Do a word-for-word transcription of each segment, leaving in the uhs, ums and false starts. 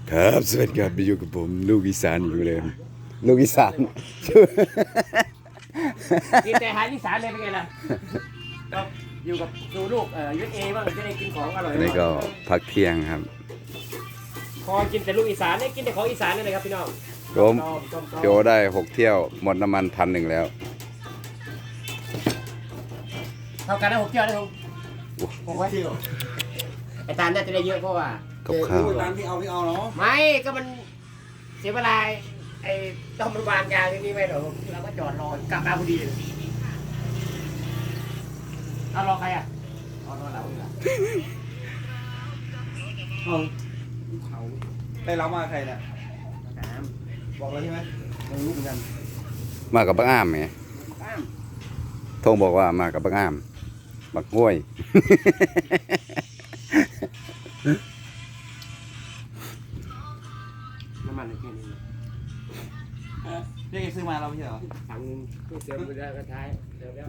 ครับสวัสดีครับอยู่กับผมลูกอีสานอยู่เลยลูกอีสานกินแต่อาหารอีสานเลยเป็นไงล่ะก็อยู่กับดูลูกเอ่อยูเอบ้างจะได้กินของอร่อยนี่ก็พักเที่ยงครับพอกินแต่ลูกอีสานเนี่ยกินแต่ของอีสานนี่เลยครับพี่น้องผมโจได้หกเที่ยวหมดน้ำมันพันหนึ่งแล้วเท่ากันนะผมเที่ยวได้ผมหกไว้ไอ้ตาลน่าจะได้เยอะเพราะว่ากับข้าวร้านที่เอาที่เอาเนาะไม่ก็มันเสียเวลาไอ้ต้องมันวางยาที่นี่ไม่หรอกเราก็จอดรอกลับมาพอดีเอารอใครอ่ะรอรอเราเหรอเอาเขาได้รับมาใครเนี่ยตามบอกแล้วใช่ไหมไม่รู้เหมือนกันมากับบักอ้ามไงตามทงบอกว่ามากับบักอ้ามบักห้วยน้ำมันแค่นี้เออเรียกซื้อมาเราไม่ใช่เหรอถังนึงเติมไปได้ก็ท้ายเดี๋ยวแล้ว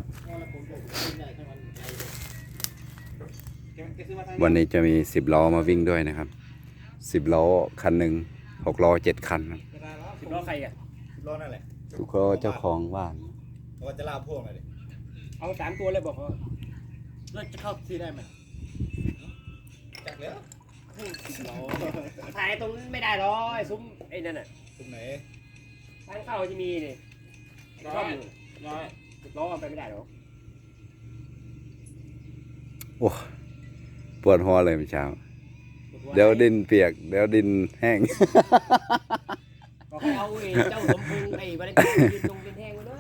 แกซื้อมาทางวันนี้จะมีสิบล้อมาวิ่งด้วยนะครับสิบล้อคันหนึ่งหกล้อเจ็ดคันครับเวลาแล้วสิบล้อใครอ่ะรอนั่นแหละทุกคนเจ้าของบ้านเราจะลาพวกหน่อยดิเอาสามตัวเลยบอกเขาเราจะเข้าที่ได้ไหมจักแล้วถ่ายตรงนั้นไม่ได้หรอกไอ้ซุ้มไอ้นั่นน่ะตรงไหนทางเข้าจะมีนี่ร้อยร้อยสิบล้อไปไม่ได้หรอกโอ้ปวดหัวเลยเมื่อเช้าเดี๋ยวดินเปียกเดี๋ยวดินแห้งบอกให้เอาไอ้เจ้าสมพงษ์ไอ้บริการยืนตรงเป็นแห้งมา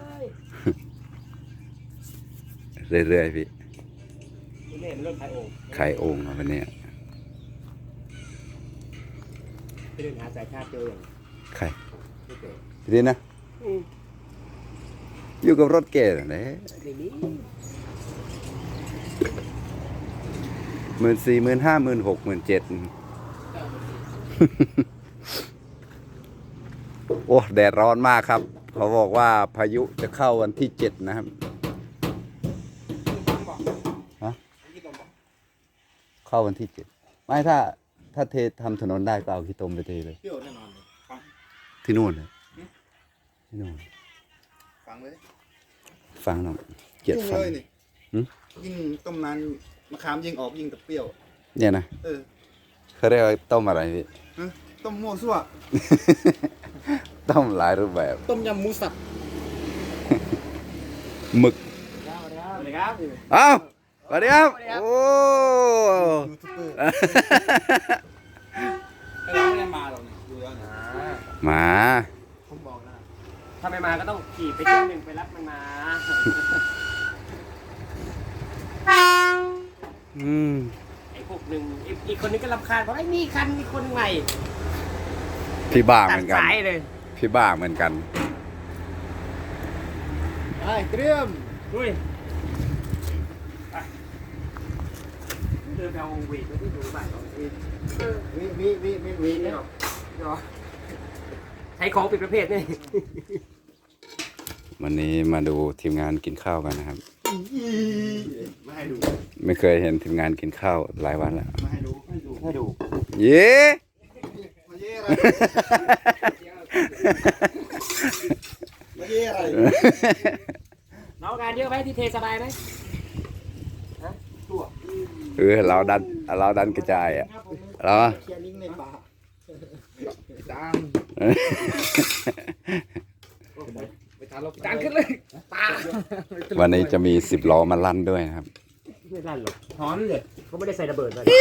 เลยเรื่อยๆพี่นี่มันเริ่มขายโอ่งไข่โอ่งครับวันนี้ไปเดินหาสายชาติเจออย่างไข่ไม่เจอดีนะอืมอยู่กับรถเก๋นะในนี้หมื่นสี่หมื่นห้าหมื่นหกหมื่นเจ็ดโอ้แดดร้อนมากครับ เขาบอกว่าพายุจะเข้าวันที่เจ็ดนะครับฮะเข้าวันที่เจ็ดไม่ถ้าถ้าเททำถนนได้ก็เอาขี้ตมไปเทเลยเปรี้ยวแน่นอนเลยฟังที่นู่นเลยที่นู่นฟังเลยฟังหน่อยเจ็ดยุ่งฟังเลยนี่หืมยิ่งต้มนานมะขามยิ่งออกยิ่งแต่เปรี้ยวเนี่ยนะเออเขาเรียกว่าต้มอะไรพี่ฮะต้มมั่วซั่วต้มหลายรูปแบบต้มยำหมูสับหมึกสวัสดีครับเอ้าสวัสดีครับ โอ้ยูทูบเบอร์เราไม่ได้มาหรอกนี่ดูแล้วนี่หมาผมบอกนะถ้าไม่มาก็ต้องขี่ไปเที่ยวหนึ่งไปรับมันมาอืมไอ้พวกหนึ่งอีกอีกคนนึงก็รำคาญเพราะไอ้นี่คันมีคนใหม่พี่บ้าเหตัมืดอนกันสายเลยพี่บ้าเหมือนกันไปเตรียมดุยไปเดินเอาเวทไปที่ดูบ้านเราเองวิวิวิวิวินี่หรอหรอใช้ของปิดประเภทนี่วันนี้มาดูทีมงานกินข้าวกันนะครับไม่ให้ดูไม่เคยเห็นทีมงานกินข้าวหลายวันแล้วไม่ให้ดูไม่ให้ดูให้ดูเย้มาเย่อะไรมาเย่อะไรน้องงานเยอะไหมที่เทสบายไหมตัวเออเราดันเราดันกระจายอ่ะเหรอเชียร์ลิงในป่าจังไปทานเราจานขึ้นเลยตาวันนี้จะมีสิบล้อมาลั่นด้วยนะครับไม่ลั่นหรอกถอนเลยเขาไม่ได้ใส่ระเบิดมา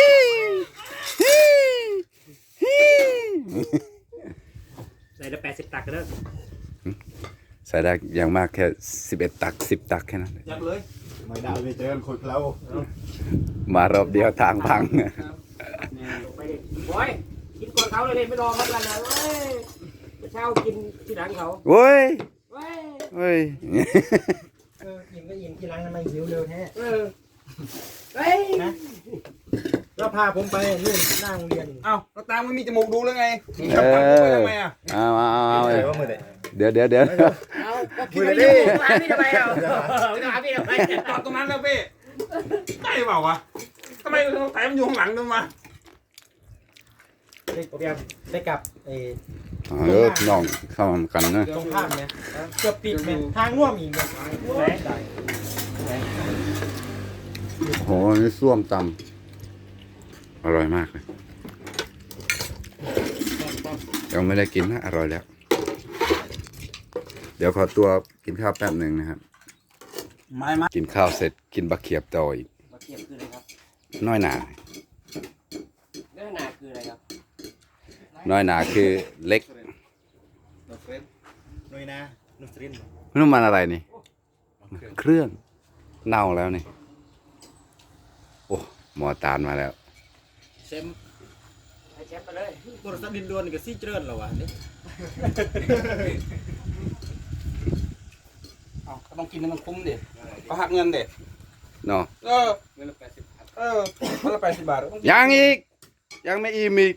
ใส่ละแปดสิบตักกันเด้อใส่ได้อย่างมากแค่สิบเอ็ดตักสิบตักแค่นั้นยักเลยไม่ได้ไปเจอคนเรามารอบเดียวทางพังไปดิบอยกินก่อนเขาเลยเลยไม่รอเขากันนะเว้ยไปเช่ากินที่หลังเขาโว้ยเว้ยเว้ยเอออิ่มก็อิ่มที่ร้านทำไมหิวเร็วแท้เออเฮ้ยแล้วพาผมไปนู่นหน้าโรงเรียนเอ้าก็ตามไม่มีจมูกดูแล้วไงเออเอาเอาเอาเดี๋ยวเดี๋ยวเดี๋ยวเอาก็คิดว่าอยู่หาพี่ทำไมเราหาพี่ทำไมจอดตรงนั้นแล้วพี่ได้เปล่าวะทำไมแต่มันอยู่ข้างหลังด้วยมาเได้เตรียมได้กลับเออเออพี่น้องเข้ามากันนะตรงข้ามเนี่ยเกือบติดเนี่ยทางร่วมอีกเนี่ยได้โหนี่ส้วมตำอร่อยมากเลยยังไม่ได้กินนะอร่อยแล้ว เดี๋ยวขอตัวกินข้าวแป๊บหนึ่งนะครับไม้ไม้กินข้าวเสร็จกินบะเขียบต่ออีกมาเทียบคืออะไรครับน้อยหนาเนื้อหนาคืออะไรครับน้อยหนาคือเล็กนุสเรนนุยนะนุสเรนไม่รู้มันอะไรนี่ เครื่องเน่าแล้วนี่ โอ้หมอตาลมาแล้วเชมให้แชมป์ไปเลยโทรศัพท์ดินดวนกับซี่เจริญเหรอวะนี่เอาก็ต้องกินให้มันคุ้มดิก็หักเงินเด็ดเนาะเออเงินละแปดสิบเออคนละแปดสิบบาทต้องกินยังอีก ยังไม่อิ่มอีก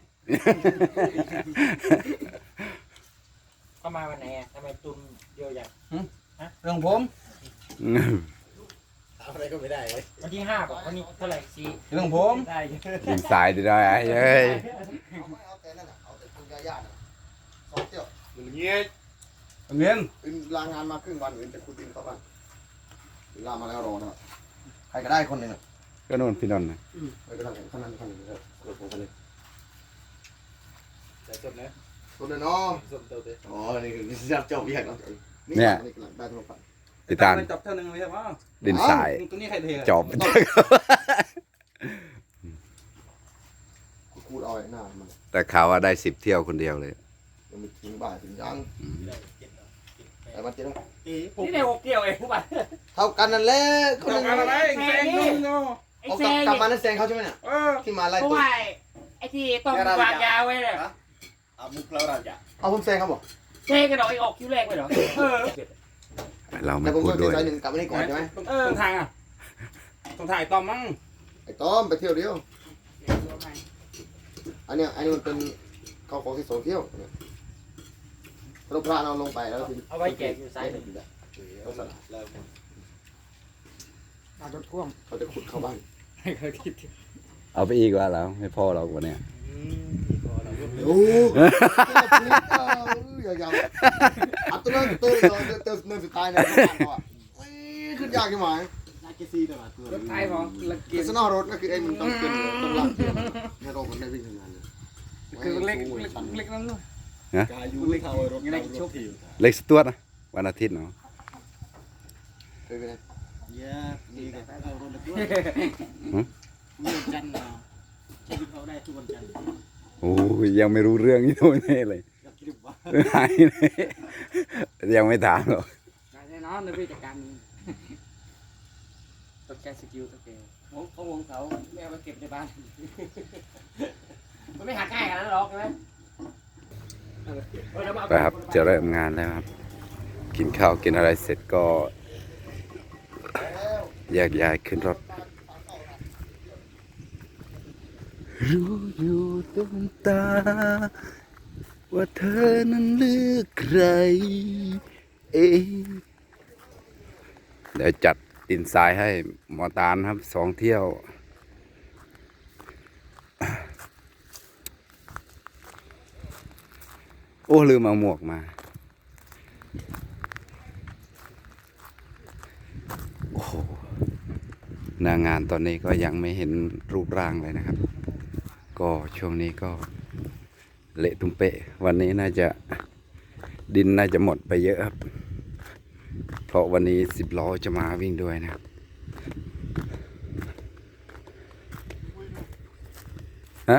เข้ามาวันไหนอ่ะทำไมตุนเยอะอย่างเรื่องผมอะไรก็ไม่ได้เลยวันที่ห้าป่ะวันนี้เท่าไหร่สี่เรื่องผมได้กินสายดีได้ไอ้เอ้ยเอาแต่นั่นน่ะเอาแต่คุณยาย่าน่ะสองเที่ยวอย่างเงี้ยเงินอื่นลางานมาครึ่งวันอื่นจะคุยดินเข้าบ้านลามาแล้วรอนะใครก็ได้คนหนึ่งอ่ะก็นู่นพี่นนท์นะไปก็ได้คนนั้นคนหนึ่งก็กดผมกันเลยใส่สดนะตัวเดียวเนาะสดเตาเตะอ๋อนี่คือวิศวกรรมเจ้าเบี้ยเนาะนี่นี่กำลังได้ทั้งหมดพี่ตาลจับเท่านึงเลยใช่ไหมดินสายตัวนี้ใครเทจอบกูดเอาไอ้หน้ามันแต่ข่าวว่าได้สิบเที่ยวคนเดียวเลยยังไม่ถึงบ่ายถึงยังแต่มันเจ็ดนี่ได้หกเกี่ยวเองทุกวันเท่ากันนั่นแหละคนจันึบงกันอะไรแซงนึงเนาะไอ้เอาแซกลับงกลับเนี่ยมานั่นแซงเขาใช่ไหมเนี่ยเออที่มาไล่เพราะตัวว่าไอ้ที่ต้องวางยาไว้เนี่ยเอามุกเราเราจะเอาผมแซงเขาบอกแซงกันหรอกไอ้ออกคิวแรกไปหรอเออเราไม่แต่ผมพูดก็ด้วยใจหนึ่งกลับมานี่ก่อนใช่ไหมเออทางอ่ะต้องถ่ายตอมมั้งไอ้ต้อมไปเที่ยวเดียว อันเนี้ยอันนี้มันเป็นเขาของที่โซเที่ยวเนี่ยรถพระเราลงไปแล้วถึงเอาไว้แจกอยู่ซ้ายหนึ่งเขาสลัดแล้วเอารถพ่วงเขาจะขุดเข้าบ้านให้เขาคิดเอาไปอีกว่าแล้วไม่พอเราวันเนี้ยโอ้ยยาวๆอัดตัวนั้นเติมเติมเติมเติมสุดท้ายเนี่ยขึ้นยากใช่ไหมน่าจะซีแต่ละตัวรถไทยของละกิสนอรถก็คือไอ้มันต้องเป็นต้องลากเทียมให้รถมันได้วิ่งทำงานเลยคือเล็กเล็กเล็กนั่นเลยกายูเล็กเท่ารถเล็กชุบเล็กสตวดนะวันอาทิตย์เนาะเคยไปไหนเยอะดีกันเอารถละด้วยวันจันทร์เนาะใช้เขาได้ทุกวันจันทร์โอ้ยยังไม่รู้เรื่องนี่โดนแน่เลยอยากคิดว่าหายเลยยังไม่ถามหรอกแน่นอนในวิธีการนี้ต้องใช้สกิลตัวเองวงเขาวงเขาไม่เอาไปเก็บในบ้านมันไม่หักง่ายขนาดนั้นหรอกใช่ไหมไปครับจะเริ่มงานแล้วครับ กินข้าวกินอะไรเสร็จก็แยกย้ายขึ้นรถรู้อยู่ตรงตา ว่าเธอนั้นเลือกใคร เองเดี๋ยวจัดดินทรายให้หมอตาลครับสองเที่ยว โอ้ลืมเอาหมวกมา โอ้โหหน้างานตอนนี้ก็ยังไม่เห็นรูปร่างเลยนะครับ ก็ช่วงนี้ก็เละตุ้มเปะ วันนี้น่าจะดินน่าจะหมดไปเยอะครับ เพราะวันนี้สิบล้อจะมาวิ่งด้วยนะครับฮะ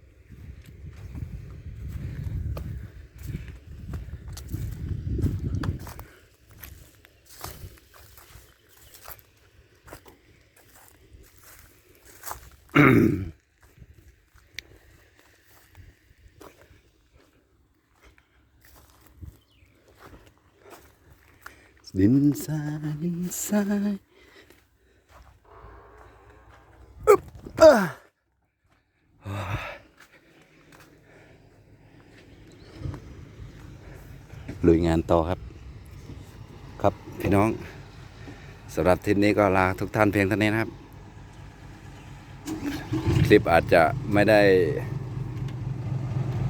ดินทรายดินทรายอึ๊บอ่ะลุยงานต่อครับ ครับพี่น้องสำหรับทริปนี้ก็ลาทุกท่านเพียงเท่านี้นะครับ คลิปอาจจะไม่ได้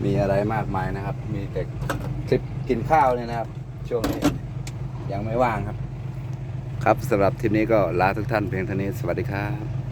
มีอะไรมากมายนะครับ มีแต่คลิปกินข้าวเนี่ยนะครับ ช่วงนี้ยังไม่ว่างครับ ครับสำหรับทีนี้ก็ลาทุกท่านเพียงเท่านี้สวัสดีครับ